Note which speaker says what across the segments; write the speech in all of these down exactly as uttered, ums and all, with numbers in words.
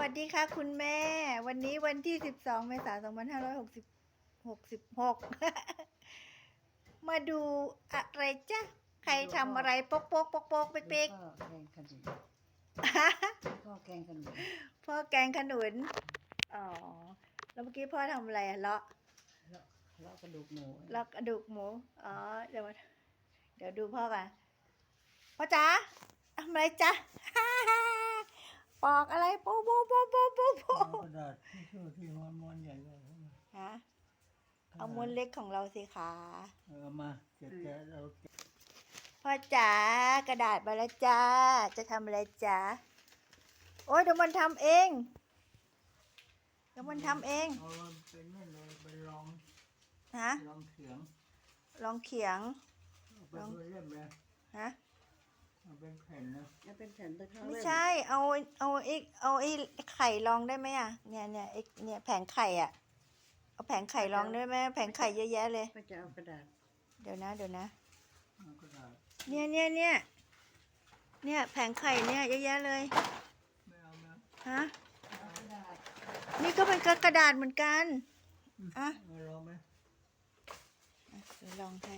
Speaker 1: วัสดีค่ะคุณแม่ วันนี้วันที่สิบสองเมษายนสองพันห้าร้อยหกสิบหกสิบหกมาดูอะไรจ๊ะใครทำอะไรปกปกปกปกเป๊กเป๊ก
Speaker 2: พ่อแกงขนุนพ่อแกงขนุน
Speaker 1: พ่อแกงขนุนอ๋อแล้วเมื่อกี้พ่อทำอะไรอะเลาะ
Speaker 2: เลาะเลาะกระดูกหมู
Speaker 1: เลาะกระดูกหมูอ๋อเดี๋ยวมาเดี๋ยวดูพ่อกันพ่อจ๋าทำอะไรจ๊ะ ปอกอะไรโป๊ะโป๊ะโป๊ะโป๊ะโป๊ะโป๊ะ
Speaker 3: กระดาษที่ชื่อที่ม้วนม้วนใหญ่เลย
Speaker 1: ฮะเอาม้วนเล็กของเราสิคะ
Speaker 3: เออมาเก็บแกะเรา
Speaker 1: พ่อจ๋ากระดาษมาแล้วจ้าจะทำอะไรจ๊ะโอ้ยเดี๋ยวมันทำเองเดี๋ยวมันทำเอง
Speaker 3: เอาเป็นนั่นเลยเป็นรอง
Speaker 1: ฮะ
Speaker 3: รองเขียง
Speaker 1: ลองเขียง
Speaker 3: เอาเป็นเล่มเลย
Speaker 1: ฮะ
Speaker 3: เอาเป็นแผ่นนะ
Speaker 2: แล้วเป็นแผ่นตะเข้า
Speaker 1: ไม่ใช่เอาเอาไอ้เอาไอ้ไข่ลองได้ไหมอ่ะเนี่ยเนี่ยไอ้เนี่ยแผงไข่อ่ะเอาแผงไข่ลองได้ไหมแผงไข่เยอะแยะเลย
Speaker 2: ก็จะเอากระดาษ
Speaker 1: เดี๋ยวนะเดี๋ยวนะ
Speaker 3: เอากระดาษ
Speaker 1: เนี่ยเนี่ยเนี่ยเนี่ยแผงไข่เนี่ยเยอะแยะเลย
Speaker 3: ไม่เอานะ
Speaker 1: ฮะ
Speaker 2: เอากระดาษ
Speaker 1: นี่ก็เป็นกระดาษเหมือนกันอ่ะ
Speaker 3: เอาลองไหม
Speaker 1: อ่ะเดี๋ยวลองให้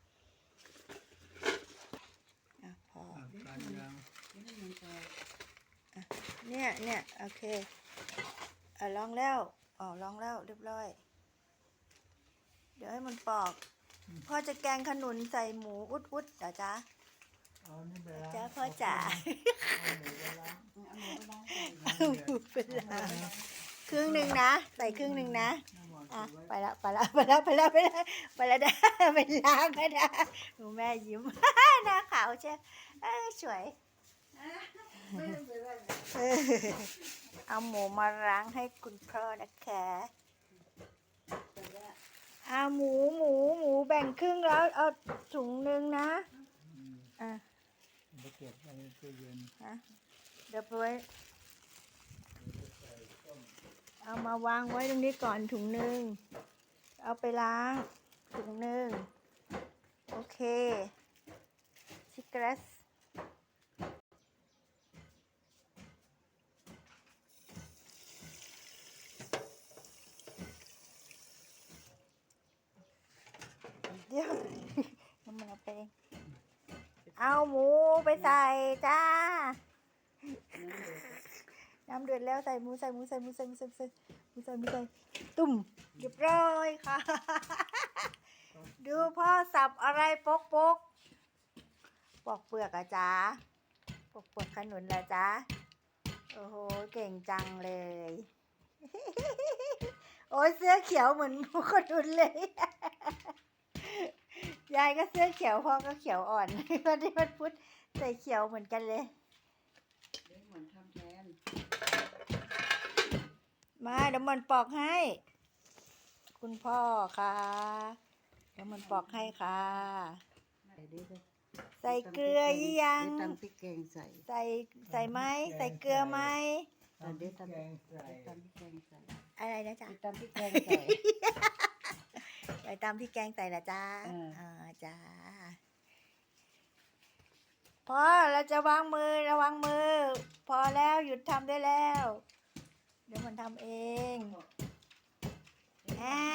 Speaker 1: อ่ะพอ
Speaker 3: อ่ะการยาง
Speaker 2: นี่ให้มันจะ
Speaker 1: เนี่ยเนี่ยโอเคอ่ะลองแล้วอ๋อลองแล้วเรียบร้อย เดี๋ยวให้มันปอกพ่อจะแกงขนุนใส่หมูอุดอุดๆเหรอจ๊ะ
Speaker 3: เอานี่ไปล้าง
Speaker 1: จ้าพ่อจ๋า
Speaker 3: เอาหมูไปล้าง
Speaker 2: เอาหมูไปล้างก่อน
Speaker 1: เอาหมูไปล้างครึ่งหนึ่งนะใส่ครึ่งหนึ่งนะ
Speaker 3: น้ำมัน
Speaker 1: อ่ะ
Speaker 3: ไว้
Speaker 1: ไปละไปละไปละไปละไปละไปละได้ไปล้างก็ได้หนูแม่ยิ้ม หน้าขาวใช่เออสวย
Speaker 2: ไม่ต้องไปล้าง
Speaker 1: เออเอาหมูมาล้างให้คุณพ่อนะคะ
Speaker 2: แต่ว่า
Speaker 1: เอาหมูหมูหมูแบ่งครึ่งแล้วเอาถุงหนึ่งนะ
Speaker 3: อืม
Speaker 1: อ่ะ
Speaker 3: เอาไปเก็บไว้ในตู้เย็น
Speaker 1: นะเดี๋ยวไปไว้เอามาวางไว้ตรงนี้ก่อนถุงหนึ่งเอาไปล้างถุงหนึ่งโอเคชิคเกรสเดี๋ยว น้ำมันเอาไปเองเอาหมูไปใส่จ้า น้ำเดือดแล้วใส่หมูใส่หมูใส่หมูใส่หมูใส่หมูใส่หมูใส่หมูใส่ตุ่มเรียบร้อยค่ะ ดูพ่อสับอะไรปกปกปอกเปลือกอะจ๊ะปอกเปลือกขนุนละจ๊ะโอ้โหเก่งจังเลย โอ้ยเสื้อเขียวเหมือนขนุนเลย ยายก็เสื้อเขียวพ่อก็เขียวอ่อน วันที่มันพุธใส่เขียวเหมือนกันเลย
Speaker 2: เดี๋ยวหมอนทำแทน
Speaker 1: มาเดี๋ยวมันปอกให้ คุณพ่อค่ะเดี๋ยวมันปอกให้ค่ะ
Speaker 2: ใส่ดิเลย
Speaker 1: ใส่เกลือยัง
Speaker 2: เดี๋ยวตำพริกแกงใส่
Speaker 1: ใส่ใส่ไหมใส่เกลือไหม
Speaker 2: แต่เดี๋ยวตำ
Speaker 3: แกงใส่
Speaker 2: เดี๋ยวตำพริกแกงใส่
Speaker 1: อะไรนะจ๊ะ
Speaker 2: เดี๋ยวตำพริกแกงใส่
Speaker 1: ใส่ตามที่แกงใส่ละจ้า
Speaker 2: เอออ่
Speaker 1: อ่าจ้าพอเราจะวางมือระวังมือ พอแล้วหยุดทำได้แล้ว เดี๋ยวมันทำเองอ่า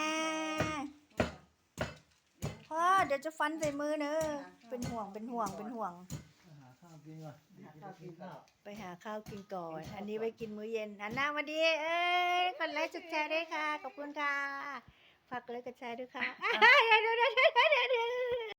Speaker 1: พ่อเดี๋ยวจะฟันใส่มือเนอะเป็นห่วงเป็นห่วงเป็นห่วง
Speaker 3: หาข้าวกินก่อน
Speaker 2: หาข้าวกินก่อน
Speaker 1: ไปหาข้าวกินก่อน อันนี้ไปกินมื้อเย็นหันหน้ามาดี เอ้ยคนไลค์จุดแชร์ด้วยค่ะ ขอบคุณค่ะ ฝากกดไลค์กดแชร์ด้วยค่ะ เดี๋ยวเดี๋ยวเดี๋ยวเดี๋ยว